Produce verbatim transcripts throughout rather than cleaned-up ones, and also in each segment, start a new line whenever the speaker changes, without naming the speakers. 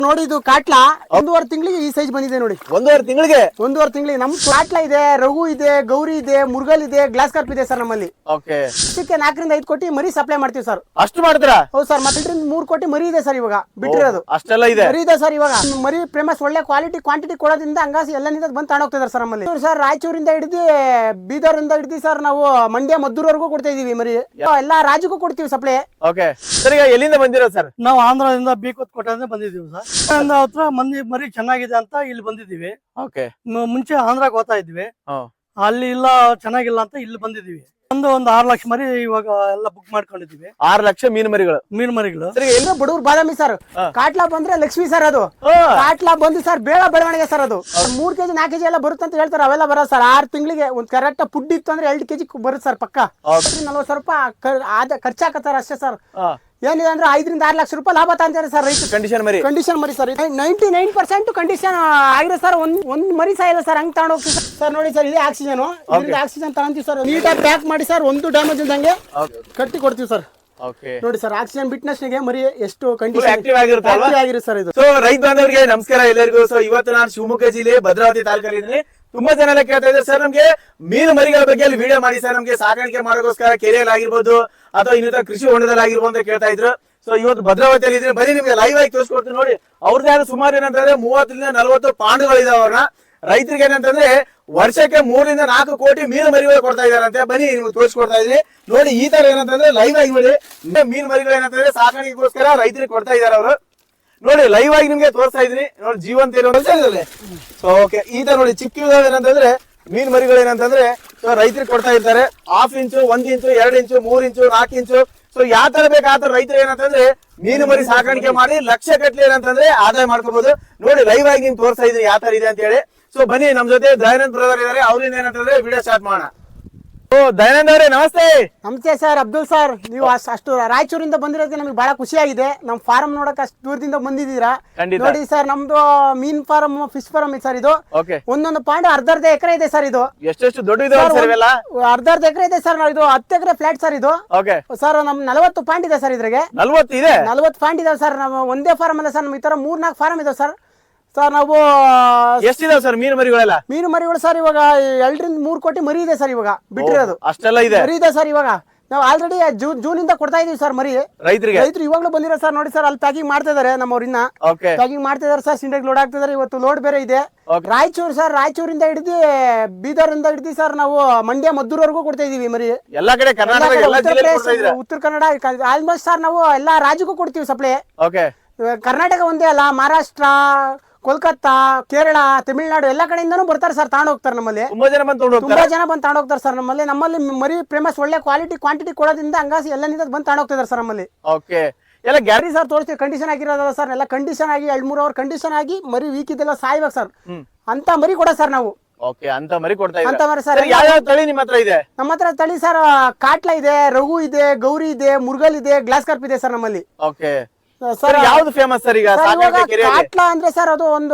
ನೋಡಿ ಇದು ಕಾಟ್ಲಾ ಒಂದೂವರೆ ತಿಂಗಳಿಗೆ ಈ ಸೈಜ್ ಬಂದಿದೆ ನೋಡಿ.
ಒಂದೂವರೆ ತಿಂಗಳಿಗೆ
ಒಂದೂವರೆ ತಿಂಗಳಿಗೆ ನಮ್ ಕಾಟ್ಲಾ ಇದೆ, ರಘು ಇದೆ, ಗೌರಿ ಇದೆ, ಮುರುಗಲ್ ಇದೆ, ಗ್ಲಾಸ್ ಕಾರ್ಪ್ ಇದೆ ಸರ್ ನಮ್ಮಲ್ಲಿ.
ಓಕೆ.
ಇದಕ್ಕೆ ನಾಲ್ಕರಿಂದ ಐದು ಕೋಟಿ ಮರಿ ಸಪ್ಲೈ ಮಾಡ್ತೀವಿ ಸರ್.
ಅಷ್ಟು ಮಾಡ್ತೀರಾ?
ಹೌದು ಸರ್. ಮತ್ತೆ ಮೂರ್ ಕೋಟಿ ಮರಿ ಇದೆ ಸರ್ ಇವಾಗ ಬಿಟ್ಟಿರೋದು.
ಅಷ್ಟೆಲ್ಲ ಇದೆ
ಮರಿ ಇದೆ ಸರ್ ಇವಾಗ. ಮರಿ ಫೇಮಸ್ ಒಳ್ಳೆ ಕ್ವಾಲಿಟಿ ಕ್ವಾಂಟಿಟಿ ಕೊಡೋದ್ರಿಂದ ಹಂಗಾಸಿ ಎಲ್ಲನಿಂದ ಬಂದು ತಗೊಂಡೋಗ್ತಿದ್ದಾರೆ ಸರ್ ನಮ್ಮಲ್ಲಿ. ಸರ್ ರಾಯಚೂರಿಂದ ಹಿಡಿದು ಬೀದರ್ ಇಂದ ಹಿಡಿದು ಸರ್ ನಾವು ಮಂಡ್ಯ ಮದ್ದೂರ್ವರೆಗೂ ಕೊಡ್ತಾ ಇದೀವಿ ಮರಿ. ಎಲ್ಲಾ ರಾಜ್ಯಕ್ಕೂ ಕೊಡ್ತೀವಿ ಸಪ್ಲೈ.
Okay sir. ಈಗ ಎಲ್ಲಿಂದ ಬಂದಿರೋದು ಸರ್?
ನಾವು ಆಂಧ್ರದಿಂದ ಬೀಕೋತ್ ಕೋಟೆಯಿಂದ ಬಂದಿದ್ದೀವಿ ಸರ್. ಹತ್ರ ಮಂದಿ ಮರಿ ಚೆನ್ನಾಗಿದೆ ಅಂತ ಇಲ್ಲಿ ಬಂದಿದ್ದೀವಿ.
ಓಕೆ.
ಮುಂಚೆ ಆಂಧ್ರಾಗ್ ಹೋಗ್ತಾ ಇದ್ವಿ, ಅಲ್ಲಿ ಇಲ್ಲ ಚೆನ್ನಾಗಿಲ್ಲ ಅಂತ ಇಲ್ಲಿ ಬಂದಿದ್ದೀವಿ. ಒಂದು ಒಂದು ಆರು ಲಕ್ಷ ಮರಿ ಇವಾಗ ಎಲ್ಲ ಬುಕ್ ಮಾಡ್ಕೊಂಡಿದೀವಿ.
ಆರು ಲಕ್ಷ ಮೀನು ಮರಿಗಳು
ಮೀನು ಮರಿಗಳು.
ಎಲ್ಲ ಬಡವ್ರು ಬಾದಾಮಿ ಸರ್. ಕಾಟ್ಲಾ ಬಂದ್ರೆ ಲಕ್ಷ್ಮಿ ಸರ್. ಅದು ಕಾಟ್ಲಾ ಬಂದು ಸರ್ ಬೇಗ ಬೆಳವಣಿಗೆ ಸರ್. ಅದು ಮೂರ್ ಕೆಜಿ ನಾಲ್ಕು ಕೆಜಿ ಎಲ್ಲ ಬರುತ್ತೆ ಅಂತ ಹೇಳ್ತಾರೆ. ಅವೆಲ್ಲ ಬರೋ ಸರ್ ಆರು ತಿಂಗಳಿಗೆ ಒಂದ್ ಕರೆಕ್ಟ್ ಫುಡ್ ಇತ್ತು ಅಂದ್ರೆ ಎರಡು ಕೆಜಿ ಬರುತ್ತೆ ಸರ್ ಪಕ್ಕ. ನಲ್ವತ್ತು ಸಾವಿರ ರೂಪಾಯಿ ಖರ್ಚಾಕತ್ತಾರ ಅಷ್ಟೇ ಸರ್. ಏನಿದೆ ಅಂದ್ರೆ ಐದರಿಂದ ಆರು ಲಕ್ಷ ರೂಪಾಯಿ ಲಾಭ ತಂತಾರೆ ಸರ್ ರೈತ.
ಕಂಡೀಷನ್ ಮರಿ
ಕಂಡೀಷನ್ ಮರಿ sir. Ninety nine percent condition ಆಗಿದೆ ಸರ್. ಒಂದ್ ಒಂದ್ ಮರಿ ಸಾಯಿಲ್ಲ ಸರ್. ಹಂಗ್ ತಗೊಂಡ್ ಹೋಗ್ತೀವಿ ಸರ್. ನೋಡಿ ಸರ್, ಇದೇ ಆಕ್ಸಿಜನ್. ಇದರಿಂದ ಆಕ್ಸಿಜನ್ ತಗೊಂತೀವಿ ಸರ್. ನೀಟಾಗಿ ಪ್ಯಾಕ್ ಮಾಡಿ ಸರ್, ಒಂದು ಡ್ಯಾಮೇಜ್ ಇಲ್ದಂಗೆ ಕಟ್ಟಿ ಕೊಡ್ತೀವಿ ಸರ್. ನೋಡಿ ಸರ್, ಆಕ್ಸಿಜನ್ ಬಿಟ್ನೆಸ್ ಗೆ ಮರಿ ಎಷ್ಟು ಕಂಡೀಷನ್
ಆಕ್ಟಿವ್ ಆಗಿರುತ್ತೆ
ಸರ್ ಇದು.
ಸೊ ರೈತ ಬಾಂಧವರಿಗೆ ನಮಸ್ಕಾರ ಎಲ್ಲರಿಗೂ. ಸೊ ಇವತ್ತು ನಾನು ಶಿವಮೊಗ್ಗ ಜಿಲ್ಲೆ ಭದ್ರಾವತಿ ತಾಲೂಕಲ್ಲಿ ತುಂಬಾ ಜನ ಎಲ್ಲ ಕೇಳ್ತಾ ಇದ್ದಾರೆ ಸರ್, ನಮ್ಗೆ ಮೀನು ಮರಿಗಳ ಬಗ್ಗೆ ಅಲ್ಲಿ ವಿಡಿಯೋ ಮಾಡಿ ಸರ್, ನಮ್ಗೆ ಸಾಕಾಣಿಕೆ ಮಾಡೋಕೋಸ್ಕರ ಕೆರೆಯಲ್ಲಿ ಆಗಿರ್ಬೋದು ಅಥವಾ ಇನ್ನಿತರ ಕೃಷಿ ಹೊಂಡದಲ್ಲಿ ಆಗಿರ್ಬೋದು ಅಂತ ಕೇಳ್ತಾ ಇದ್ರು. ಸೊ ಇವತ್ತು ಭದ್ರಾವತಿಯಲ್ಲಿ ಇದ್ರೆ ಬರೀ ನಿಮ್ಗೆ ಲೈವ್ ಆಗಿ ತೋರಿಸ್ಕೊಡ್ತೀನಿ ನೋಡಿ. ಅವ್ರದ್ದು ಸುಮಾರು ಏನಂತಂದ್ರೆ ಮೂವತ್ತರಿಂದ ನಲ್ವತ್ತು ಪಾಂಡುಗಳಿದಾವೆ. ಅವ್ರನ್ನ ರೈತರಿಗೆ ಏನಂತಂದ್ರೆ ವರ್ಷಕ್ಕೆ ಮೂರರಿಂದ ನಾಲ್ಕು ಕೋಟಿ ಮೀನು ಮರಿಗಳು ಕೊಡ್ತಾ ಇದಾರಂತೆ. ಬನ್ನಿ ನಿಮ್ಗೆ ತೋರಿಸ್ಕೊಡ್ತಾ ಇದ್ರಿ ನೋಡಿ. ಈ ತರ ಏನಂತಂದ್ರೆ ಲೈವ್ ಆಗಿ ನೋಡಿ ಮೀನು ಮರಿಗಳು ಏನಂತಂದ್ರೆ ಸಾಕಾಣಿಕೆಗೋಸ್ಕರ ರೈತರಿಗೆ ಕೊಡ್ತಾ ಇದಾರೆ ಅವರು. ನೋಡಿ ಲೈವ್ ಆಗಿ ನಿಮ್ಗೆ ತೋರಿಸ್ತಾ ಇದ್ರಿ ನೋಡಿ. ಜೀವಂತ ಇರೋದ್ರಲ್ಲಿ ಸೊ ಓಕೆ. ಈ ತರ ನೋಡಿ ಚಿಕ್ಕ ಏನಂತಂದ್ರೆ ಮೀನ್ ಮರಿಗಳು ಏನಂತಂದ್ರೆ ರೈತರಿಗೆ ಕೊಡ್ತಾ ಇರ್ತಾರೆ. ಹಾಫ್ ಇಂಚು, ಒಂದ್ ಇಂಚು, ಎರಡ್ ಇಂಚು, ಮೂರ್ ಇಂಚು, ನಾಲ್ಕು ಇಂಚು. ಸೊ ಯಾವ ತರ ಬೇಕು ಆ ತರ ರೈತರು ಏನಂತಂದ್ರೆ ಮೀನು ಮರಿ ಸಾಕಾಣಿಕೆ ಮಾಡಿ ಲಕ್ಷ ಗಟ್ಟಲೆ ಏನಂತಂದ್ರೆ ಆದಾಯ ಮಾಡ್ಕೋಬಹುದು. ನೋಡಿ ಲೈವ್ ಆಗಿ ನಿಮ್ಗೆ ತೋರಿಸ್ತಾ ಇದ್ರಿ ಯಾವ ತರ ಇದೆ ಅಂತ ಹೇಳಿ. ಸೊ ಬನ್ನಿ, ನಮ್ ಜೊತೆ ದಯಾನಂದ್ ಬ್ರದರ್ ಇದಾರೆ. ಅವ್ರಿಂದ ಏನಂತಂದ್ರೆ ವಿಡಿಯೋ ಸ್ಟಾರ್ಟ್ ಮಾಡೋಣ. ಓ ದಯಾನಂದ್ ಅವರೇ ನಮಸ್ತೆ.
ನಮಸ್ತೆ ಸರ್. ಅಬ್ದುಲ್ ಸರ್, ನೀವು ಅಷ್ಟು ರಾಯಚೂರಿಂದ ಬಂದಿರೋದಕ್ಕೆ ನಮಗೆ ಬಹಳ ಖುಷಿ ಆಗಿದೆ. ನಮ್ ಫಾರ್ಮ್ ನೋಡಕ್ ಅಷ್ಟು ದೂರದಿಂದ ಬಂದಿದ್ದೀರಾ. ನೋಡಿ ಸರ್, ನಮ್ದು ಮೀನ್ ಫಾರ್ಮ್, ಫಿಶ್ ಫಾರ್ಮ್ ಸರ್ ಇದು. ಒಂದೊಂದು ಪಾಯಿಂಟ್ ಅರ್ಧ ಅರ್ಧ ಎಕರೆ ಇದೆ ಸರ್ ಇದು.
ಎಷ್ಟೆಷ್ಟು ದೊಡ್ಡ ಇದೆ?
ಅರ್ಧ ಅರ್ಧ ಎಕರೆ ಇದೆ ಸರ್. ಇದು ಹತ್ತು ಎಕರೆ ಫ್ಲಾಟ್ ಸರ್ ಇದು. ಸರ್ ನಮ್ ನಲವತ್ತು ಪಾಯಿಂಟ್ ಇದೆ ಸರ್ ಇದ್ರಾಗೆ.
ನಲ್ವತ್ತು ಇದೆ
ನಲ್ವತ್ತು ಪಾಯಿಂಟ್ ಇದಾವೆ ಸರ್. ನಮ್ಮ ಒಂದೇ ಫಾರ್ಮ್ ಅಲ್ಲ ಸರ್, ನಮ್ ಈ ತರ ಮೂರ್ ನಾಲ್ಕು ಫಾರ್ಮ್ ಇದಾವೆ ಸರ್. ಸರ್ ನಾವು
ಎಷ್ಟಿದಾವೆ ಸರ್ ಮೀನು ಮರಿಗಳೆಲ್ಲ?
ಮೀನು ಮರಿಗಳು ಸರ್ ಇವಾಗ ಎರಡರಿಂದ ಮೂರ್ ಕೋಟಿ ಮರಿ ಇದೆ ಸರ್ ಇವಾಗ ಬಿಟ್ಟಿರೋದು.
ಅಷ್ಟೆಲ್ಲ ಇದೆ
ಮರಿ ಇದೆ ಸರ್ ಇವಾಗ. ನಾವು ಆಲ್ರೆಡಿ ಜೂನ್ ಜೂನ್ ಇಂದ ಕೊಡ್ತಾ ಇದೀವಿ ಸರ್ ಮರಿ
ರೈತರಿಗೆ.
ರೈತರು ಇವಾಗ್ಲೂ ಬಂದಿರೋ ಸರ್. ನೋಡಿ ಸರ್, ಅಲ್ಲಿ ಪ್ಯಾಕಿಂಗ್ ಮಾಡ್ತಾ ಇದಾರೆ ನಮ್ಮವ್ರು. ಇನ್ನ ಪ್ಯಾಕಿಂಗ್ ಮಾಡ್ತಾ ಇದಾರೆ ಸರ್. ಸಿಂಡೆಗ್ ಲೋಡ್ ಆಗ್ತಿದಾರೆ. ಇವತ್ತು ಲೋಡ್ ಬೇರೆ ಇದೆ. ರಾಯಚೂರು ಸರ್, ರಾಯಚೂರಿಂದ ಹಿಡಿದು ಬೀದರ್ ಇಂದ ಹಿಡಿದು ಸರ್ ನಾವು ಮಂಡ್ಯ ಮದ್ದೂರ್ವರೆಗೂ ಕೊಡ್ತಾ ಇದೀವಿ ಮರಿ.
ಎಲ್ಲಾ ಕಡೆ
ಉತ್ತರ ಕನ್ನಡ ಆಲ್ಮೋಸ್ಟ್ ಸರ್ ನಾವು ಎಲ್ಲಾ ರಾಜ್ಯಕ್ಕೂ ಕೊಡ್ತೀವಿ ಸಪ್ಲೈ. ಕರ್ನಾಟಕ ಒಂದೇ ಅಲ್ಲ, ಮಹಾರಾಷ್ಟ್ರ, ಕೋಲ್ಕತ್ತಾ, ಕೇರಳ, ತಮಿಳ್ನಾಡು ಎಲ್ಲಾ ಕಡೆಯಿಂದನೂ ಬರ್ತಾರೆ ಸರ್. ತಗೊಂಡ್ ಹೋಗ್ತಾರೆ ನಮ್ಮಲ್ಲಿ.
ತುಂಬಾ ಜನ ಬಂದು
ತುಂಬಾ ಜನ ಬಂದು ತಗೊಂಡ್ ಹೋಗ್ತಾರೆ ಸರ್ ನಮ್ಮಲ್ಲಿ. ನಮ್ಮಲ್ಲಿ ಮರಿ ಫೇಮಸ್ ಒಳ್ಳೆ ಕ್ವಾಲಿಟಿ ಕ್ವಾಂಟಿಟಿ ಕೊಡೋದ್ರಿಂದ ಹಂಗಾಸಿ ಎಲ್ಲನಿಂದ ಬಂದು ತಗೊಂಡ್ ಹೋಗ್ತಿದ್ದಾರೆ ಸರ್ ನಮ್ಮಲ್ಲಿ.
ಓಕೆ. ಎಲ್ಲ ಗ್ಯಾರಿ
ಸರ್ ತೋರಿಸ್ತೀವಿ. ಕಂಡೀಷನ್ ಆಗಿರೋದಲ್ಲ ಸರ್. ಎಲ್ಲ ಕಂಡೀಷನ್ ಆಗಿ ಎರಡ್ ಮೂರ್ ಅವರ್ ಕಂಡೀಷನ್ ಆಗಿ ಮರಿ ವೀಕ್ ಇದೆಲ್ಲ ಸಾಯ್ಬೇಕು ಸರ್. ಅಂತ ಮರಿ ಕೊಡ ಸರ್ ನಾವು.
ಓಕೆ. ಅಂತ ಮರಿ ಕೊಡ್ತಾ ಇದ್ದೀರಾ?
ಅಂತ ಮರಿ ಸರ್.
ಯಾವ ತಳಿ ನಿಮ್ಮ ಹತ್ರ ಇದೆ?
ನಮ್ಮ ಹತ್ರ ತಳಿ ಸರ್ ಕಾಟ್ಲಾ ಇದೆ, ರಘು ಇದೆ, ಗೌರಿ ಇದೆ, ಮುರುಗಲ್ ಇದೆ, ಗ್ಲಾಸ್ ಕಾರ್ಪ್ ಇದೆ ಸರ್ ನಮ್ಮಲ್ಲಿ.
Okay sir. ಯಾವ್ದು ಫೇಮಸ್ ಸರ್ ಈಗ?
ಕಾಟ್ಲಾ ಅಂದ್ರೆ ಸರ್ ಅದು ಒಂದು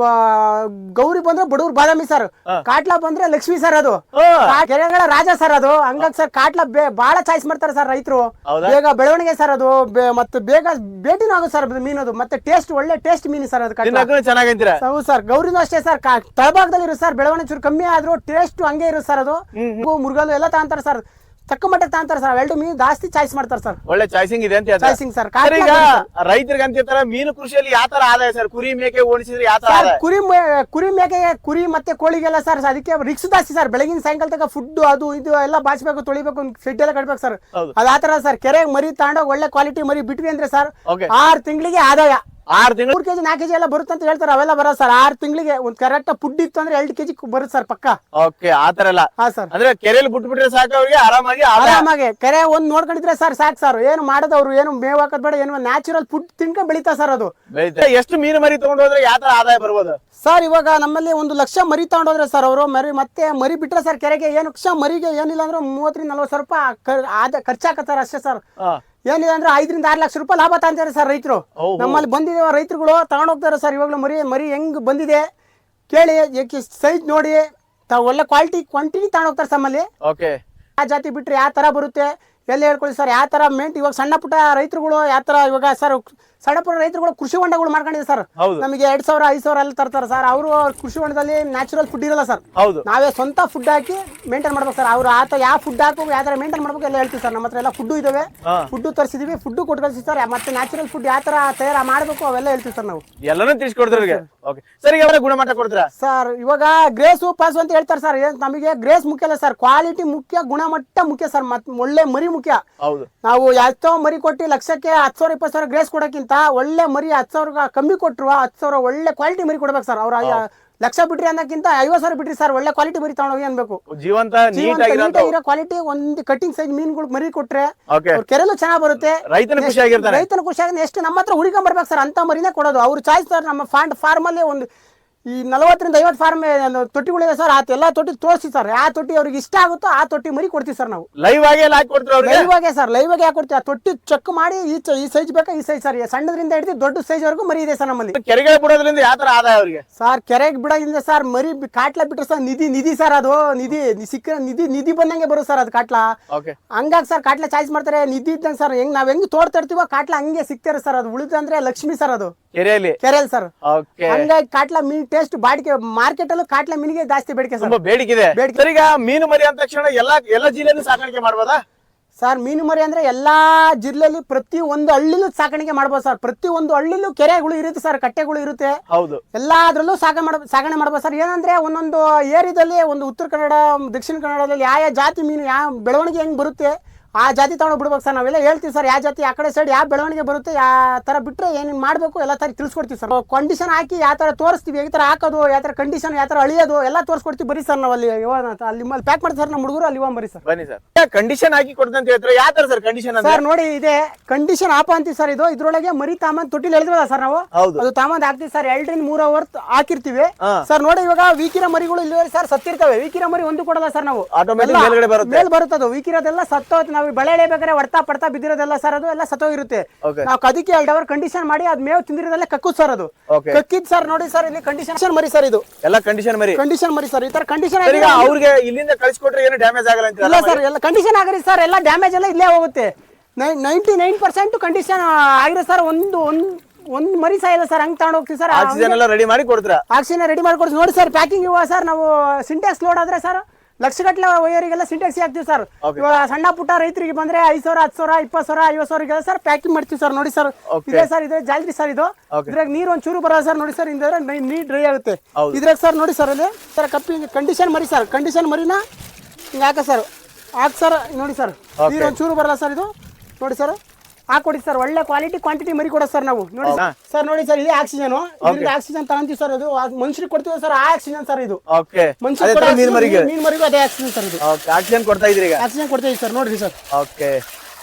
ಗೌರಿ ಬಂದ್ರೆ ಬಡವ್ರು ಬಾದಾಮಿ ಸರ್. ಕಾಟ್ಲಾ ಬಂದ್ರೆ ಲಕ್ಷ್ಮಿ ಸರ್. ಅದು ಕೆರೆಗಳ ರಾಜ ಸರ್. ಅದು ಹಂಗಾಗಿ ಸರ್ ಕಾಟ್ಲಾ ಬಹಳ ಚಾಯ್ಸ್ ಮಾಡ್ತಾರೆ ಸರ್ ರೈತರು. ಬೇಗ ಬೆಳವಣಿಗೆ ಸರ್. ಅದು ಮತ್ತೆ ಬೇಗ ಭೇಟಿನೂ ಆಗುತ್ತೆ ಸರ್ ಮೀನದು. ಮತ್ತೆ ಟೇಸ್ಟ್ ಒಳ್ಳೆ ಟೇಸ್ಟ್ ಮೀನು ಸರ್ ಅದು.
ಚೆನ್ನಾಗಿದ್ದೀರಾ?
ಹೌದು ಸರ್. ಗೌರಿನೂ ಅಷ್ಟೇ ಸರ್. ತಳಭಾಗದಲ್ಲಿ ಇರುತ್ತೆ ಸರ್. ಬೆಳವಣಿಗೆ ಚೂರು ಕಮ್ಮಿ ಆದ್ರೂ ಟೇಸ್ಟ್ ಹಂಗೆ ಇರುತ್ತೆ ಸರ್. ಅದು ಮುರುಗಲು ಎಲ್ಲ ತಗೊಂತಾರೆ ಸರ್. ತಕ್ಕ ಮಟ್ಟಕ್ಕೆ ತಗೊಂತಾರೆ ಸರ್. ಎರಡು ಮೀನು ಜಾಸ್ತಿ ಚಾಯ್ಸ್ ಮಾಡ್ತಾರೆ ಸರ್.
ಒಳ್ಳೆ ಚಾಯ್ಸಿಂಗ್ ಇದೆ ಅಂತ
ಚಾಯ್ಸಿಂಗ್ ಸರ್.
ಈಗ ರೈತರಿಗೆ ಅಂತಿರ್ತಾರೆ ಮೀನು ಕೃಷಿಯಲ್ಲಿ ಯಾವ ತರ ಆದಾಯ ಸರ್? ಕುರಿ ಮೇಕೆ ಓಡಿಸಿದ್ರೆ ಯಾವ ತರ?
ಕುರಿ ಕುರಿ ಮೇಕೆಗೆ, ಕುರಿ ಮತ್ತೆ ಕೋಳಿಗೆಲ್ಲ ಸರ್ ಅದಕ್ಕೆ ರಿಕ್ಸ್ ಜಾಸ್ತಿ ಸರ್. ಬೆಳಗಿನ ಸಾಯಂಕಾಲ ತನಕ ಫುಡ್ ಅದು ಇದು ಎಲ್ಲ ಬಾಚ್ಬೇಕು, ತೊಳಿಬೇಕು, ಶೆಡ್ ಎಲ್ಲ ಕಟ್ಬೇಕು ಸರ್. ಅದ ಆತರ ಸರ್. ಕೆರೆಗೆ ಮರಿ ತಗೊಂಡೋಗಿ ಒಳ್ಳೆ ಕ್ವಾಲಿಟಿ ಮರಿ ಬಿಟ್ವಿ ಅಂದ್ರೆ ಸರ್ ಆರ್ ತಿಂಗಳಿಗೆ ಆದಾಯ.
ಆರು ತಿಂಗಳು
ಮೂರ್ ಕೆಜಿ ನಾಲ್ಕು ಕೆಜಿ ಎಲ್ಲ ಬರುತ್ತೆ ಅಂತ ಹೇಳ್ತಾರೆ. ಅವೆಲ್ಲ ಬರೋ ಸರ್. ಆರು ತಿಂಗಳಿಗೆ ಒಂದ್ ಕರೆಕ್ಟ್ ಫುಡ್ ಇತ್ತು ಅಂದ್ರೆ ಎರಡು ಕೆಜಿ ಬರುತ್ತೆ ಸರ್ ಪಕ್ಕ.
ಓಕೆ. ಆತರ ಎಲ್ಲ
ಹಾ ಸರ್.
ಅಂದ್ರೆ ಕೆರೆಯಲ್ಲಿ ಬಿಟ್ಬಿಟ್ರೆ ಸಾಕು ಅವ್ರಿಗೆ ಆರಾಮಾಗಿ
ಆರಾಮಾಗಿ ಕೆರೆ ಒಂದ್ ನೋಡ್ಕೊಂಡಿದ್ರೆ ಸರ್ ಸಾಕು ಸರ್. ಏನು ಮಾಡೋದವ್ರು ಏನು ಮೇವ್ ಹಾಕೋದ್ ಬೇಡ. ಏನು ನ್ಯಾಚುರಲ್ ಫುಡ್ ತಿನ್ಕೊಂಡ್ ಬೆಳಿತಾ ಸರ್ ಅದು.
ಎಷ್ಟು ಮೀನು ಮರಿ ತಗೊಂಡು ಹೋದ್ರೆ ಯಾವ ತರ ಆದಾಯ ಬರ್ಬೋದು
ಸರ್? ಇವಾಗ ನಮ್ಮಲ್ಲಿ ಒಂದು ಲಕ್ಷ ಮರಿ ತಗೊಂಡೋದ್ರೆ ಸರ್ ಅವರು ಮರಿ ಮತ್ತೆ ಮರಿ ಬಿಟ್ರೆ ಸರ್ ಕೆರೆಗೆ ಏನು ಲಕ್ಷ ಮರಿಗೆ ಏನಿಲ್ಲ ಅಂದ್ರೆ ಮೂವತ್ತರಿಂದ ನಲ್ವತ್ತು ಸಾವಿರ ರೂಪಾಯಿ ಆದ ಖರ್ಚಾಕತ್ತಾರ ಅಷ್ಟೇ ಸರ್. ಏನಿದೆ ಅಂದ್ರೆ ಐದರಿಂದ ಆರು ಲಕ್ಷ ರೂಪಾಯಿ ಲಾಭ ತಂತಾರೆ ಸರ್ ರೈತರು. ನಮ್ಮಲ್ಲಿ ಬಂದಿದೆ ರೈತರುಗಳು ತಗೊಂಡ್ ಹೋಗ್ತಾರೆ ಸರ್. ಇವಾಗ್ಲೂ ಮರಿ ಮರಿ ಹೆಂಗ್ ಬಂದಿದೆ ಕೇಳಿ, ಸೈಜ್ ನೋಡಿ, ಒಳ್ಳೆ ಕ್ವಾಲಿಟಿ ಕ್ವಾಂಟಿಟಿ ತಗೊಂಡ್ ಹೋಗ್ತಾರೆ ನಮ್ಮಲ್ಲಿ. ಆ ಜಾತಿ ಬಿಟ್ರೆ ಯಾವ ತರ ಬರುತ್ತೆ ಎಲ್ಲ ಹೇಳ್ಕೊಳ್ಳಿ ಸರ್. ಯಾವ ತರ ಮೇಂಟ್ ಇವಾಗ ಸಣ್ಣ ಪುಟ್ಟ ರೈತರುಗಳು ಯಾವ ತರ ಇವಾಗ ಸರ್ ಸಣ್ಣ ಪುಟ್ಟ ರೈತರುಗಳು ಕೃಷಿ ಹೊಂಡಗಳು ಮಾಡ್ಕೊಂಡಿದೆ ಸರ್.
ಹೌದು.
ನಮಗೆ ಎರಡ್ ಸಾವಿರ ಐದು ಸಾವಿರ ಎಲ್ಲ ತರ್ತಾರೆ ಸರ್. ಅವರು ಕೃಷಿ ಹೊಂಡದಲ್ಲಿ ನ್ಯಾಚುರಲ್ ಫುಡ್ ಇರಲ್ಲ ಸರ್.
ಹೌದು.
ನಾವೇ ಸ್ವಂತ ಫುಡ್ ಹಾಕಿ ಮೇಂಟೈನ್ ಮಾಡ್ಬೇಕು ಸರ್. ಅವ್ರು ಆತ ಯಾವ ಫುಡ್ ಹಾಕಬೇಕು ಯಾವ ತರ ಮೇಂಟೈನ್ ಮಾಡ್ಬೇಕು ಎಲ್ಲ ಹೇಳ್ತೀವಿ ಸರ್. ನಮ್ಮ ಹತ್ರ ಎಲ್ಲ ಫುಡ್ ಇದಾವೆ, ಫುಡ್ ತರಿಸಿದೀವಿ, ಫುಡ್ ಕೊಟ್ಟು ಕಳಿಸಿ ಸರ್. ಮತ್ತೆ ನ್ಯಾಚುರಲ್ ಫುಡ್ ಯಾವ ತರ ತಯಾರು ಮಾಡಬೇಕು ಅವೆಲ್ಲ ಹೇಳ್ತೀವಿ ಸರ್ ನಾವು.
ಎಲ್ಲಾನು ತಿಳಿಸ್ಕೊಡ್ತಾರೆ. ಓಕೆ ಸರ್, ಈಗ ಅವರ ಗುಣಮಟ್ಟ ಕೊಡ್ತೀರಾ
ಸರ್? ಇವಾಗ ಗ್ರೇಸು ಪಾಸು ಅಂತ ಹೇಳ್ತಾರೆ ಸರ್. ಏನ್ ನಮಗೆ ಗ್ರೇಸ್ ಮುಖ್ಯ ಅಲ್ಲ ಸರ್, ಕ್ವಾಲಿಟಿ ಮುಖ್ಯ, ಗುಣಮಟ್ಟ ಮುಖ್ಯ ಸರ್. ಮತ್ ಒಳ್ಳೆ ಮರಿ ಮುಖ್ಯ.
ಹೌದು.
ನಾವು ಎಷ್ಟೋ ಮರಿ ಕೊಟ್ಟು ಲಕ್ಷಕ್ಕೆ ಹತ್ತು ಸಾವಿರ ಇಪ್ಪತ್ತು ಸಾವಿರ ಗ್ರೇಸ್ ಕೊಡೋಕ್ಕಿಂತ ಒಳ್ಳೆ ಮರಿ ಹತ್ತು ಸಾವಿರ ಕಮ್ಮಿ ಕೊಟ್ಟರು ಹತ್ತು ಸಾವಿರ ಒಳ್ಳೆ ಕ್ವಾಲಿಟಿ ಮರಿ ಕೊಡ್ಬೇಕು ಸರ್. ಅವ್ರ ಲಕ್ಷ ಬಿಟ್ರಿ ಅನ್ನೋಕ್ಕಿಂತ ಐವತ್ತು ಸಾವಿರ ಬಿಟ್ರಿ ಸರ್, ಒಳ್ಳೆ ಕ್ವಾಲಿಟಿ ಮರಿ ತಗೊಂಡೋಗಿ ಅನ್ಬೇಕು.
ಜೀವಂತ
ನೀಟಾಗಿರೋ ಕ್ವಾಲಿಟಿ ಒಂದು ಕಟಿಂಗ್ ಸೈಜ್ ಮೀನುಗಳು ಮರಿ ಕೊಟ್ರೆ ಕೆರೆಲು ಚೆನ್ನಾಗಿ ಬರುತ್ತೆ.
ರೈತನ ಖುಷಿಯಾಗಿರ್ತಾನೆ.
ರೈತನ ಖುಷಿಯಾಗಿ ಎಷ್ಟು ನಮ್ಮ ಹತ್ರ ಹುಡುಕೊಂಡ್ ಬರ್ಬೇಕು ಸರ್, ಅಂತ ಮರಿನೇ ಕೊಡೋದು. ಅವ್ರು ಚಾಯ್ಸ್ ಸರ್. ನಮ್ಮ ಫಾಂಡ್ ಫಾರ್ಮ್ ಅಲ್ಲಿ ಒಂದು ಈ ನಲವತ್ತರಿಂದ ಐವತ್ತು ಫಾರ್ಮ್ ತೊಟ್ಟಿಗಳಿದೆ ಸರ್. ಆ ಎಲ್ಲ ತೊಟ್ಟಿ ತೋರಿಸಿ ಸರ್. ಯಾವ ತೊಟ್ಟಿ ಅವ್ರಿಗೆ ಇಷ್ಟ ಆಗುತ್ತೋ ಆ ತೊಟ್ಟಿ ಮರಿ ಕೊಡ್ತೀವಿ ಸರ್ ನಾವು.
ಲೈವ್ ಆಗಿ
ಲೈವ್ ಆಗಿ ಸರ್, ಲೈವ್ ಆಗಿ ಹಾಕೊಡ್ತೀವಿ. ಆ ತೊಟ್ಟಿ ಚೆಕ್ ಮಾಡಿ ಈ ಈ ಸೈಜ್ ಬೇಕಾ ಈ ಸೈಜ್ ಸರ್. ಸಣ್ಣದ್ರಿಂದ ಹಿಡಿದು ದೊಡ್ಡ ಸೈಜ್ ವರೆಗೂ ಮರಿ ಇದೆ ಸರ್ ನಮ್ಮಲ್ಲಿ.
ಕೆರೆಗೆ ಬಿಡೋದ್ರಿಂದ ಯಾವ ತರ ಆದಾಯ ಅವರಿಗೆ
ಸರ್? ಕೆರೆಗೆ ಬಿಡೋದ್ರಿಂದ ಸರ್ ಮರಿ ಕಾಟ್ಲ ಬಿಟ್ರೆ ಸರ್ ನಿಧಿ ನಿಧಿ ಸರ್. ಅದು ನಿಧಿ ಸಿಕ್ಕ ನಿಧಿ ನಿಧಿ ಬಂದಂಗೆ ಬರುತ್ತೆ ಸರ್ ಅದು ಕಾಟ್ಲ. ಹಂಗಾಗಿ ಸರ್ ಕಾಟ್ಲ ಚಾಯ್ಸ್ ಮಾಡ್ತಾರೆ ನಿಧಿ ಇದ್ದಂಗೆ ಸರ್. ಹೆಂಗ್ ನಾವ್ ಹೆಂಗ್ ತೋಡ್ತಿರ್ತೀವೋ ಕಾಟ್ಲ ಹಂಗೆ ಸಿಗ್ತಾರೆ ಸರ್. ಅದು ಉಳಿದಂದ್ರೆ ಲಕ್ಷ್ಮಿ ಸರ್ ಅದು
ಕೆರೆಯಲ್ಲಿ
ಕೆರೆಯಲ್ಲಿ ಸರ್. ಹಂಗಾಗಿ ಕಾಟ್ಲ ಮೀನ್ ಟೇಸ್ಟ್ ಬಾಡಿಕೆ ಮಾರ್ಕೆಟ್ ಅಲ್ಲೂ ಕಾಟ್ಲ ಮೀನಿಗೆ ಜಾಸ್ತಿ ಬೇಡಿಕೆ ಸರ್.
ಬೇಡಿಕೆ ಇದೆ. ಈಗ ಮೀನು ಮರಿ ಅಂತ ತಕ್ಷಣ ಎಲ್ಲ ಎಲ್ಲ ಜಿಲ್ಲೆಯಲ್ಲೂ ಸಾಕಾಣಿಕೆ ಮಾಡ್ಬೋದಾ
ಸರ್? ಮೀನು ಮರಿ ಅಂದ್ರೆ ಎಲ್ಲಾ ಜಿಲ್ಲೆಯಲ್ಲಿ ಪ್ರತಿ ಒಂದು ಹಳ್ಳಿಲೂ ಸಾಕಾಣಿಕೆ ಮಾಡ್ಬೋದು ಸರ್. ಪ್ರತಿ ಒಂದು ಹಳ್ಳಿಲೂ ಕೆರೆಗಳು ಇರುತ್ತೆ ಸರ್, ಕಟ್ಟೆಗಳು ಇರುತ್ತೆ.
ಹೌದು.
ಎಲ್ಲಾದ್ರಲ್ಲೂ ಸಾಗ ಮಾಡ ಸಾಗಣೆ ಮಾಡ್ಬೋದು ಸರ್. ಏನಂದ್ರೆ ಒಂದೊಂದು ಏರಿಯಾದಲ್ಲಿ ಒಂದು ಉತ್ತರ ಕನ್ನಡ ದಕ್ಷಿಣ ಕನ್ನಡದಲ್ಲಿ ಯಾವ ಯಾವ ಜಾತಿ ಮೀನು ಯಾವ ಬೆಳವಣಿಗೆ ಹೆಂಗ್ ಬರುತ್ತೆ ಆ ಜಾತಿ ತಗೊಂಡು ಬಿಡ್ಬೇಕು ಸರ್. ನಾವೆಲ್ಲ ಹೇಳ್ತೀವಿ ಸರ್, ಯಾವ ಜಾತಿ ಆ ಕಡೆ ಸೈಡ್ ಯಾವ ಬೆಳವಣಿಗೆ ಬರುತ್ತೆ ಯಾವ ತರ ಬಿಟ್ರೆ ಏನೇನು ಮಾಡಬೇಕು ಎಲ್ಲ ತರ ತಿಳಿಸ್ಕೊಡ್ತೀವಿ ಸರ್. ಕಂಡೀಷನ್ ಹಾಕಿ ಯಾವ ತರ ತೋರಿಸ್ತೀವಿ, ಯಾವ ತರ ಹಾಕೋದು, ಯಾವ ತರ ಕಂಡೀಷನ್ ಯಾವ ತರ ಅಳಿಯೋದು ಎಲ್ಲ ತೋರಿಸ್ಕೊಡ್ತೀವಿ. ಬರೀ ಸರ್ ನಾವು ಅಲ್ಲಿ ಅಲ್ಲಿ ಪ್ಯಾಕ್ ಮಾಡಿ ಸರ್ ನಮ್ಮ ಹುಡುಗರು ಅಲ್ಲಿ ಬರೀ ಸರ್.
ಬನ್ನಿ ಸರ್. ಕಂಡೀಷನ್ ಹಾಕಿ ಕೊಡ್ತಂತ ಹೇಳ್ತಾರೆ, ಯಾವ ತರ ಸರ್ ಕಂಡೀಷನ್?
ಸರ್ ನೋಡಿ, ಇದೆ ಕಂಡೀಷನ್ ಆಪ ಅಂತೀವಿ ಸರ್. ಇದು ಇದ್ರೊಳಗೆ ಮರಿ ತಾಮಂದ್ ತೊಟ್ಟಿಲ್ ಹೇಳಿದ್ವಲ್ಲ ಸರ್ ನಾವು, ಅದು ತಾಮಂದ್ ಹಾಕ್ತಿವಿ ಸರ್. ಎರಡರಿಂದ ಮೂರ್ ಅವರ್ ಹಾಕಿರ್ತೀವಿ ಸರ್. ನೋಡಿ ಇವಾಗ ವೀಕಿರ ಮರಿಗಳು ಇಲ್ಲಿ ಸರ್ ಸತ್ತಿರ್ತವೆ. ವೀಕಿರ ಮರಿ ಒಂದು ಕೊಡಲ್ಲ ಸರ್ ನಾವು, ಮೇಲ್ ಬರುತ್ತದು. ವೀಕಿರೋದೆಲ್ಲ ಸತ್ತೋತ್ ನಾವು ಬೆಳೆ ಎಳೆಬೇಕಾದ್ರೆ ಹೊಡ್ತಾ ಪಡ್ತಾ ಬಿದ್ದಿರೋದೆಲ್ಲ ಸರ್ ಅದು ಎಲ್ಲ ಸತ್ತೋಗಿರುತ್ತೆ. ನಾವು ಅದಕ್ಕೆ ಎರಡು ಅವರ್ ಕಂಡೀಷನ್ ಮಾಡಿ ಅದ್ ಮೇವು ತಿಂದಿರೋದೆಲ್ಲ ಕಕ್ಕುದ್ ಸರ್. ಅದು ಕಕ್ಕಿದ್ ಸರ್. ನೋಡಿ ಸರ್ ಇಲ್ಲಿ ಕಂಡೀಷನ್ ಮರಿ ಸರ್. ಇದು ಎಲ್ಲ ಕಂಡೀಷನ್ ಮರಿ ಕಂಡೀಷನ್ ಮರಿ ಸರ್. ಈ ತರ ಕಂಡೀಷನ್
ಅವ್ರಿಗೆ ಇಲ್ಲಿಂದ ಕಳಿಸ್ಕೊಟ್ರೆ ಏನು ಡ್ಯಾಮೇಜ್ ಆಗಲ್ಲ ಅಂತ
ಇಲ್ಲ ಸರ್. ಎಲ್ಲ ಕಂಡೀಷನ್ ಆಗಿರಿ ಸರ್. ಎಲ್ಲ ಡ್ಯಾಮೇಜ್ ಎಲ್ಲ ಇಲ್ಲೇ ಹೋಗುತ್ತೆ. ನೈಂಟಿ ನೈನ್ ಪರ್ಸೆಂಟ್ ಕಂಡೀಷನ್ ಆಗಿರೋ ಸರ್. ಒಂದು ಒಂದ್ ಒಂದ್ ಮರಿ ಸಾಯಿಲ್ಲ ಸರ್. ಹಂಗ್ ತಗೊಂಡ್ ಹೋಗ್ತೀವಿ ಸರ್.
ಆಕ್ಸಿಜನ್ ಎಲ್ಲ ರೆಡಿ ಮಾಡಿ ಕೊಡ್ತೀರಾ?
ಆಕ್ಸಿಜನ್ ರೆಡಿ ಮಾಡಿ ಕೊಡ್ತೀವಿ. ನೋಡಿ ಸರ್ ಪ್ಯಾಕಿಂಗ್ ಇವಾಗ ಸರ್ ನಾವು ಸಿಂಟೆಕ್ಸ್ ಲೋಡ್ ಆದ್ರೆ ಸರ್ ಲಕ್ಷಗಟ್ಟಲೆ ವೈಯರಿಗೆಲ್ಲ ಸಿಂಟೆಕ್ಸ್ ಹಾಕ್ತಿವಿ ಸರ್. ಇವಾಗ ಸಣ್ಣ ಪುಟ್ಟ ರೈತರಿಗೆ ಬಂದ್ರೆ ಐದು ಸಾವಿರ ಹತ್ತು ಸಾವಿರ ಇಪ್ಪತ್ತು ಸಾವಿರ ಐವತ್ತು ಸಾವಿರ ಸರ್ ಪ್ಯಾಕಿಂಗ್ ಮಾಡ್ತೀವಿ ಸರ್. ನೋಡಿ ಸರ್ ಇದೆ ಸರ್. ಇದೆ ಜಾಲ್ರಿ ಸರ್. ಇದು ಇದ್ರಾಗ ನೀರು ಒಂದ್ ಚೂರು ಬರೋದು ಸರ್. ನೋಡಿ ಸರ್ ಇಂದ್ರೆ ನೀರ್ ಡ್ರೈ ಆಗುತ್ತೆ ಇದ್ರಾಗ ಸರ್. ನೋಡಿ ಸರ್ ಅಲ್ಲಿ ಸರ್ ಕಪ್ಪಿ ಕಂಡೀಷನ್ ಮರಿ ಸರ್. ಕಂಡೀಷನ್ ಮರಿನ ಹಿಂಗ ಹಾಕ ಸರ್. ಹಾಕ್ ಸರ್. ನೋಡಿ ಸರ್ ನೀರ್ ಒಂದ್ ಚೂರು ಬರಲ್ಲ ಸರ್. ಇದು ನೋಡಿ ಸರ್ ಹಾಕೊಡಿ ಸರ್. ಒಳ್ಳೆ ಕ್ವಾಲಿಟಿ ಕ್ವಾಂಟಿಟಿ ಮರಿ ಕೊಡೋದು ಸರ್ ನಾವು. ನೋಡಿ ಸರ್. ನೋಡಿ ಸರ್ ಇದೆ ಆಕ್ಸಿಜನ್. ಇದ್ರಿಂದ ಆಕ್ಸಿಜನ್ ತಗೊಂತೀವಿ ಸರ್. ಅದು ಮನುಷ್ಯರಿಗೆ ಕೊಡ್ತೀವಿ ಸರ್. ಆ ಆಕ್ಸಿಜನ್ ಸರ್ ಇದು ಮನುಷ್ಯರಿಗೆ ಮೀನ್ ಮರಿಗೂ ಅದೇ ಆಕ್ಸಿಜನ್ ಸರ್. ಇದು
ಆಕ್ಸಿಜನ್ ಕೊಡ್ತಾ ಇದ್ರಿ?
ಆಕ್ಸಿಜನ್ ಕೊಡ್ತಾ ಇದೀವಿ ಸರ್. ನೋಡ್ರಿ ಸರ್.
ಓಕೆ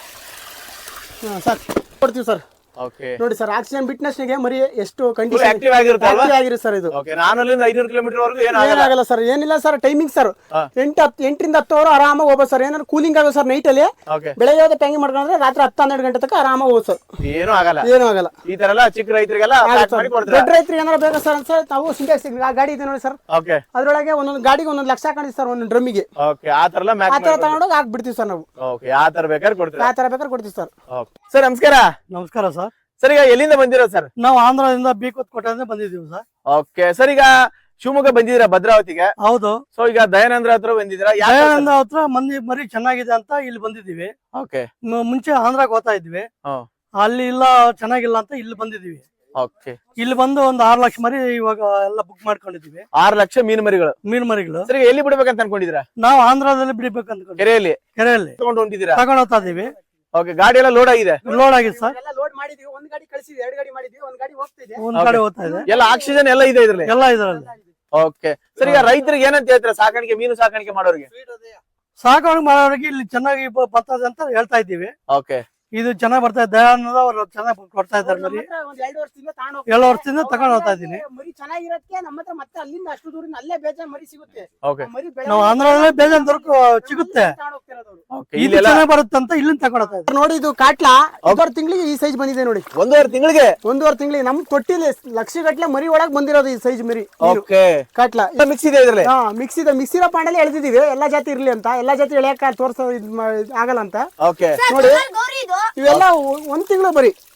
ಸರ್ ಕೊಡ್ತೀವಿ ಸರ್. ನೋಡಿ ಸರ್ ಆಕ್ಸಿಜನ್ ಬಿಟ್ನೆಸ್ಗೆ ಮರಿ ಎಷ್ಟು ಕಂಡೀಷನ್
ಆಕ್ಟಿವ್ ಆಗಿರುತ್ತೆ
ಆಗಿರುತ್ತೆ ಸರ್. ಇದು
ನಾನು ಐನೂರು ಕಿಲೋಮೀಟರ್ ವರೆಗೂ
ಏನಾಗಲ್ಲ ಸರ್. ಏನಿಲ್ಲ ಸರ್. ಟೈಮಿಂಗ್ ಸರ್ ಎಂಟು ಹತ್ತು ಎಂಟರಿಂದ ಹತ್ತು ಅವರ್ ಆರಾಮಾಗಿ ಹೋಗ್ಬೋದು ಸರ್. ಏನಾದ್ರು ಕೂಲಿಂಗ್ ಆಗೋ ಸರ್ ನೈಟ್ ಅಲ್ಲಿ. ಬೆಳಗ್ಗೆ ಟ್ಯಾಂಗಿ ಮಾಡ್ಕೊಂಡ್ರೆ ರಾತ್ರಿ ಹತ್ತು ಹನ್ನೆರಡು ಗಂಟೆ ತನಕ ಆರಾಮಾಗಿ ಹೋಗ್ಬೋದು ಸರ್.
ಏನು ಆಗಲ್ಲ.
ಏನು ಆಗಲ್ಲ.
ಈ ತರ ಎಲ್ಲ ಚಿಕ್ಕ ರೈತರಿಗೆಲ್ಲ
ದೊಡ್ಡ ರೈತರಿಗೆ ಏನಾದ್ರು ಬೇಕಾ ಸರ್ ಸರ್ ನಾವು ಸಿಂಟೆಕ್ಸ್ ಗಾಡಿ ಇದೆ ನೋಡಿ ಸರ್. ಅದ್ರೊಳಗೆ ಒಂದೊಂದು ಗಾಡಿಗೆ ಒಂದೊಂದು ಲಕ್ಷ ಹಾಕೊಂಡಿವಿ ಸರ್. ಒಂದೊಂದು ಡ್ರಮ್ಮಿಗೆ ಆ ತರ ತಗೊಂಡೋಗಿ ಹಾಕ್ಬಿಡ್ತೀವಿ ಸರ್ ನಾವು.
ಯಾವ ತರ ಬೇಕಾದ್ರೆ ಕೊಡ್ತೀವಿ?
ಯಾವ ತರ ಬೇಕಾದ್ರೆ ಕೊಡ್ತೀವಿ ಸರ್.
ಸರ್ ನಮಸ್ಕಾರ.
ನಮಸ್ಕಾರ ಸರ್.
ಸರ್ ಈಗ ಎಲ್ಲಿಂದ ಬಂದಿರೋದು ಸರ್?
ನಾವು ಆಂಧ್ರದಿಂದ ಬೀಕೋತ್ ಕೋಟೆಯಿಂದ ಬಂದಿದ್ದೀವಿ ಸರ್.
Okay sir. ಈಗ ಶಿವಮೊಗ್ಗ ಬಂದಿದ್ದೀರಾ ಭದ್ರಾವತಿಗೆ?
ಹೌದು.
ಸೊ ಈಗ ದಯಾನಂದ್ರ ಹತ್ರ ಬಂದಿದ್ದೀರಾ?
ದಯಾನಂದ್ರ ಹತ್ರ ಮಂದಿ ಮರಿ ಚೆನ್ನಾಗಿದೆ ಅಂತ ಇಲ್ಲಿ ಬಂದಿದ್ದೀವಿ.
ಓಕೆ.
ಮುಂಚೆ ಆಂಧ್ರಕ್ಕೆ ಹೋಗ್ತಾ ಇದ್ವಿ. ಅಲ್ಲಿ ಇಲ್ಲ ಚೆನ್ನಾಗಿಲ್ಲ ಅಂತ ಇಲ್ಲಿ ಬಂದಿದ್ದೀವಿ.
ಓಕೆ.
ಇಲ್ಲಿ ಬಂದು ಒಂದು ಆರು ಲಕ್ಷ ಮರಿ ಇವಾಗ ಎಲ್ಲ ಬುಕ್ ಮಾಡ್ಕೊಂಡಿದೀವಿ.
ಆರು ಲಕ್ಷ ಮೀನು ಮರಿಗಳು
ಮೀನು ಮರಿಗಳು.
ಸರಿ ಎಲ್ಲಿ ಬಿಡ್ಬೇಕಂತ ಅನ್ಕೊಂಡಿದ್ದೀರಾ?
ನಾವು ಆಂಧ್ರದಲ್ಲಿ ಬಿಡ್ಬೇಕಂತ
ಕೆರೆಯಲ್ಲಿ
ಕೆರೆಯಲ್ಲಿ
ತಗೊಂಡು ಹೊಂಟಿದ್ದೀರಾ?
ತಗೊಂಡ್ ಹೋಗ್ತಾ ಇದೀವಿ.
ಓಕೆ. ಗಾಡಿ ಎಲ್ಲ ಲೋಡ್ ಆಗಿದೆ?
ಲೋಡ್ ಆಗಿದೆ ಸರ್.
ಎಲ್ಲ ಲೋಡ್ ಮಾಡಿದೀವಿ. ಒಂದ್ ಗಾಡಿ ಕಳಿಸಿದ್ವಿ, ಎರಡು ಗಾಡಿ ಮಾಡಿದೀವಿ, ಒಂದ್ ಗಾಡಿ ಹೋಗ್ತಾ ಇದೆ,
ಒಂದ್ ಕಡೆ ಹೋಗ್ತಾ ಇದೆ.
ಎಲ್ಲ ಆಕ್ಸಿಜನ್ ಎಲ್ಲ ಇದೆ ಇದ್ರಲ್ಲಿ?
ಎಲ್ಲ ಇದರಲ್ಲಿ.
ಓಕೆ. ಸರ್ ಈಗ ರೈತರಿಗೆ ಏನಂತ ಹೇಳ್ತೀರಾ ಸಾಕಾಣಿಕೆ ಮೀನು ಸಾಕಾಣಿಕೆ ಮಾಡೋರಿಗೆ?
ಸಾಕಾಣಿಕೆ ಮಾಡೋರಿಗೆ ಇಲ್ಲಿ ಚೆನ್ನಾಗಿ ಬರ್ತದೆ ಅಂತ ಹೇಳ್ತಾ ಇದ್ದೀವಿ.
ಓಕೆ.
ಇದು ಚೆನ್ನಾಗಿ ಬರ್ತಾ ಇದೆ. ದಯಾನಂದ ಅವರು ಚೆನ್ನಾಗಿ ಕೊಡ್ತಾ ಇದ್ದಾರೆ ಮರಿ. ಎರಡು ವರ್ಷದಿಂದ ತಗೊಂಡ್ ಹೋಗ್ತಾ ಇದ್ದೀನಿ.
ಮರಿ ಚೆನ್ನಾಗಿರಕ್ಕೆ ನಮ್ಮ ಹತ್ರ ಮತ್ತೆ ಅಲ್ಲಿಂದ ಅಷ್ಟು ದೂರಿಂದ ಅಲ್ಲೇ ಬೇಜಾನ್ ಮರಿ ಸಿಗುತ್ತೆ.
ನಾವು ಆಂಧ್ರದಲ್ಲೇ ಬೇಜಾನ್ ದೊರಕ ಸಿಗುತ್ತೆ. ಇಲ್ಲಿ ಚೆನ್ನಾಗಿ ಬರುತ್ತೆ ಅಂತ ಇಲ್ಲಿಂದ ತಗೊಂಡ್ ಹೋಗ್ತಾ ಇದ್ದಾರೆ.
ನೋಡಿ ಇದು ಕಾಟ್ಲಾ ಒಂದೂವರೆ ತಿಂಗಳಿಗೆ ಈ ಸೈಜ್ ಬಂದಿದೆ ನೋಡಿ.
ಒಂದೂವರೆ ತಿಂಗಳಿಗೆ?
ಒಂದೂವರೆ ತಿಂಗಳಿಗೆ ನಮ್ ತೊಟ್ಟಿಲಿ ಲಕ್ಷ ಗಟ್ಲೆ ಮರಿ ಒಳಗ್ ಬಂದಿರೋದು ಈ ಸೈಜ್ ಮರಿ. ಕಾಟ್ಲಾ
ಮಿಕ್ಸ್ ಇದೆ ಇದ್ರಲ್ಲಿ?
ಹಾ ಮಿಕ್ಸ್ ಇದೆ. ಮಿಕ್ಸ್ ಇರೋ ಪಾಂಡಲ್ಲಿ ಎಳ್ದಿದೀವಿ. ಎಲ್ಲಾ ಜಾತಿ ಇರ್ಲಿ ಅಂತ. ಎಲ್ಲಾ ಜಾತಿ ಎಳೆಯಕ ತೋರ್ಸೋ ಆಗಲ್ಲ ಅಂತ. ನೋಡಿ ಇವೆಲ್ಲ ಒಂದ್ ತಿಂಗಳು ಬರಿ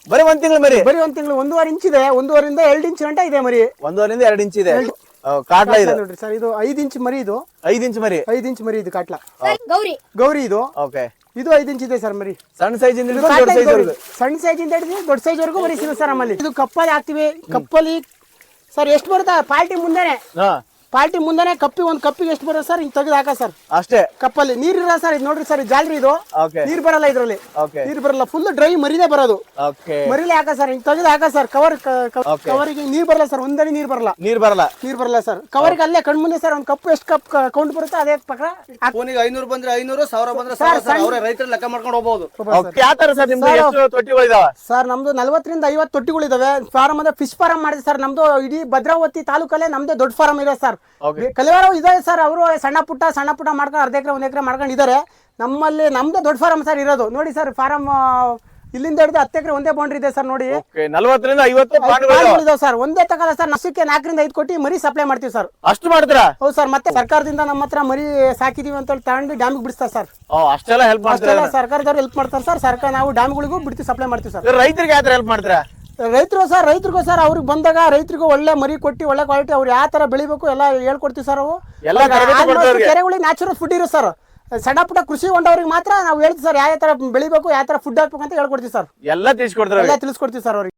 ಬರೀ ಒಂದ್ ತಿಂಗಳು ಮರಿ
ಬರೀ ಒಂದ್ ತಿಂಗಳು ಒಂದೂವರೆ ಇಂಚ್ ಇದೆ, ಒಂದೂವರೆಯಿಂದ ಎರಡು ಇಂಚ್ ಗಂಟ ಇದೆ ಮರಿ.
ಒಂದೂವರೆಯಿಂದ ಎರಡು ಇಂಚ್ ಇದೆ ಕಾಟ್ಲ ಇದು
ನೋಡ್ರಿ ಸರ್, ಇದು ಐದ್ ಇಂಚ್ ಮರಿ, ಇದು
ಐದ್ ಇಂಚ್ ಮರಿ
ಐದ್ ಇಂಚ್ ಮರಿ ಇದು ಕಾಟ್ಲ
ಗೌರಿ
ಗೌರಿ ಇದು
ಓಕೆ.
ಇದು ಐದ್ ಇಂಚ್ ಇದೆ ಸರ್ ಮರಿ.
ಸಣ್ಣ ಸೈಜ್ ಇಂದ
ಇದು
ದೊಡ್ಡ
ಕಾಟ್ಲ
ಸೈಜ್
ಗೌರಿ.
ವರೆಗೂ
ಸಣ್ಣ ಸೈಜ್ ಇಂದ ಹಿಡಿದು ದೊಡ್ಡ ಸೈಜ್ ವರೆಗೂ ಮರಿ ಸಿಗುತ್ತೆ ಸರ್ ನಮ್ಮಲ್ಲಿ. ಇದು ಕಪ್ಪಲ್ಲಿ ಹಾಕ್ತಿವಿ. ಕಪ್ಪಲ್ಲಿ ಸರ್ ಎಷ್ಟು ಬರುತ್ತೆ ಪಾರ್ಟಿ ಮುಂದೆನೆ
ಹಾ
ಪಾರ್ಟಿ ಮುಂದೆನೆ ಕಪ್ಪಿ ಒಂದ್ ಕಪ್ಪಿಗೆ ಎಷ್ಟು ಬರುತ್ತೆ ಸರ್, ಹಿಂಗ್ ತೆಗೆದು ಹಾಕ ಸರ್
ಅಷ್ಟೇ.
ಕಪ್ಪಲ್ಲಿ ನೀರ್ ಇರಲ್ಲ ಸರ್. ಇದು ನೋಡ್ರಿ ಸರ್, ಜಾಲ್ರಿ ಇದು
ಓಕೆ
ನೀರ್ ಬರಲ್ಲ ಇದ್ರಲ್ಲಿ,
ಓಕೆ
ನೀರ್ ಬರಲ್ಲ, ಫುಲ್ ಡ್ರೈ ಮರಿನೇ ಬರೋದು.
ಓಕೆ
ಮರಿಲೆ ಹಾಕ ಸರ್, ಹಿಂಗ್ ತೆಗೆದು ಹಾಕ ಸರ್. ಕವರ್ ಕವರಿಗೆ ನೀರ್ ಬರಲ್ಲ ಸರ್, ಒಂದಡಿ ನೀರ್ ಬರಲ್ಲ
ನೀರ್ ಬರಲ್ಲ
ನೀರ್ ಬರಲ್ಲ ಸರ್. ಕವರ್ಗೆ ಅಲ್ಲೇ ಕಣ್ ಮುಂದೆ ಸರ್ ಒಂದ್ ಕಪ್ ಎಷ್ಟು ಕಪ್ ಕೌಂಟ್ ಬರುತ್ತೆ ಅದೇ ಪಕ್ಕ
ಫೋನಿಗೆ ಐನೂರು ಬಂದ್ರೆ ಐನೂರು, ಸಾವಿರ ಬಂದ್ರೆ ಸಾವಿರ ಸರ್. ಅವರೇ ರೈತರು ಲೆಕ್ಕ ಮಾಡ್ಕೊಂಡು ಹೋಗ್ಬೋದು.
ಓಕೆ. ಯಾವ ತರ ಸರ್ ನಿಮ್ದು ಎಷ್ಟು ತೊಟ್ಟಿಗಳು ಇದಾವ?
ಸರ್ ನಮ್ದು ನಲ್ವತ್ತರಿಂದ ಐವತ್ತು ತೊಟ್ಟಿಗಳು ಇದಾವೆ. ಫಾರಂ ಅಂದ್ರೆ ಫಿಶ್ ಫಾರಂ ಮಾಡಿದೆ ಸರ್. ನಮ್ದು ಇಡೀ ಭದ್ರಾವತಿ ತಾಲೂಕಲ್ಲೇ ನಮ್ದೇ ದೊಡ್ಡ ಫಾರಂ ಇದೆ ಸರ್. ಕಲಿವಾರ ಇದೆ ಸರ್, ಅವರು ಸಣ್ಣ ಪುಟ್ಟ ಸಣ್ಣ ಪುಟ್ಟ ಮಾಡ್ಕೊಂಡು ಅರ್ಧ ಎಕರೆ ಒಂದ್ ಎಕರೆ ಮಾಡ್ಕೊಂಡು ಇದಾರೆ. ನಮ್ಮಲ್ಲಿ ನಮ್ದೇ ದೊಡ್ಡ ಫಾರಂ ಸರ್ ಇರೋದು. ನೋಡಿ ಸರ್, ಫಾರಂ ಇಲ್ಲಿಂದ ಹಿಡಿದು ಹತ್ತು ಎಕರೆ ಒಂದೇ ಬೌಂಡ್ರಿ ಇದೆ ಸರ್. ನೋಡಿ
ನಲ್ವತ್ತರಿಂದ ಐವತ್ತು
ಇದಾವೆ ಸರ್. ಒಂದೇ ತಗೊಲ್ಲ ಸರ್, ನಷ್ಟಕ್ಕೆ ನಾಲ್ಕರಿಂದ ಐದು ಕೋಟಿ ಮರಿ ಸಪ್ಲೈ ಮಾಡ್ತೀವಿ ಸರ್.
ಅಷ್ಟು ಮಾಡ್ತೀರಾ?
ಹೌದು ಸರ್. ಮತ್ತೆ ಸರ್ಕಾರದಿಂದ ನಮ್ಮ ಹತ್ರ ಮರಿ ಸಾಕಿದೀವಿ ಅಂತ ಹೇಳಿ ತಗೊಂಡು ಡ್ಯಾಮಿಗೆ ಬಿಡಿಸ್ತಾರೆ ಸರ್.
ಅಷ್ಟೆಲ್ಲ ಹೆಲ್ಪ್ ಮಾಡ್ತೀರಾ?
ಅಷ್ಟೆಲ್ಲ ಸರ್ಕಾರದವ್ರು ಹೆಲ್ಪ್ ಮಾಡ್ತಾರೆ ಸರ್. ಸರ್ಕಾರ ನಾವು ಡ್ಯಾಮ್ಗಳಿಗೂ ಬಿಡ್ತೀವಿ, ಸಪ್ಲೈ ಮಾಡ್ತೀವಿ ಸರ್.
ರೈತರಿಗೆ ಯಾವ ತರ ಹೆಲ್ಪ್ ಮಾಡ್ತೀರಾ?
ರೈತರು ಸರ್, ರೈತರಿಗೂ ಸರ್ ಅವ್ರಿಗೆ ಬಂದಾಗ ರೈತರಿಗೂ ಒಳ್ಳೆ ಮರಿ ಕೊಟ್ಟು ಒಳ್ಳೆ ಕ್ವಾಲಿಟಿ ಅವ್ರು ಯಾವ ತರ ಬೆಳಿಬೇಕು ಎಲ್ಲ ಹೇಳ್ಕೊಡ್ತೀವಿ ಸರ್. ಅವು
ಎಲ್ಲ ತರಬೇತಿ ಕೊಡ್ತೀವಿ ಅವ್ರಿಗೆ.
ಕೆರೆಗಳಿಗೆ ನ್ಯಾಚುರಲ್ ಫುಡ್ ಇರೋ ಸರ್. ಸಣ್ಣ ಪುಟ್ಟ ಕೃಷಿ ಹೊಂಡವ್ರಿಗೆ ಮಾತ್ರ ನಾವು ಹೇಳ್ತೀವಿ ಸರ್, ಯಾವ ತರ ಬೆಳಿಬೇಕು, ಯಾವ ತರ ಫುಡ್ ಹಾಕ್ಬೇಕು ಅಂತ ಹೇಳ್ಕೊಡ್ತೀವಿ ಸರ್.
ಎಲ್ಲ ತಿಳಿಸ್ಕೊಡ್ತಾರೆ,
ಎಲ್ಲ ತಿಳಿಸ್ಕೊಡ್ತೀವಿ ಸರ್ ಅವ್ರಿಗೆ.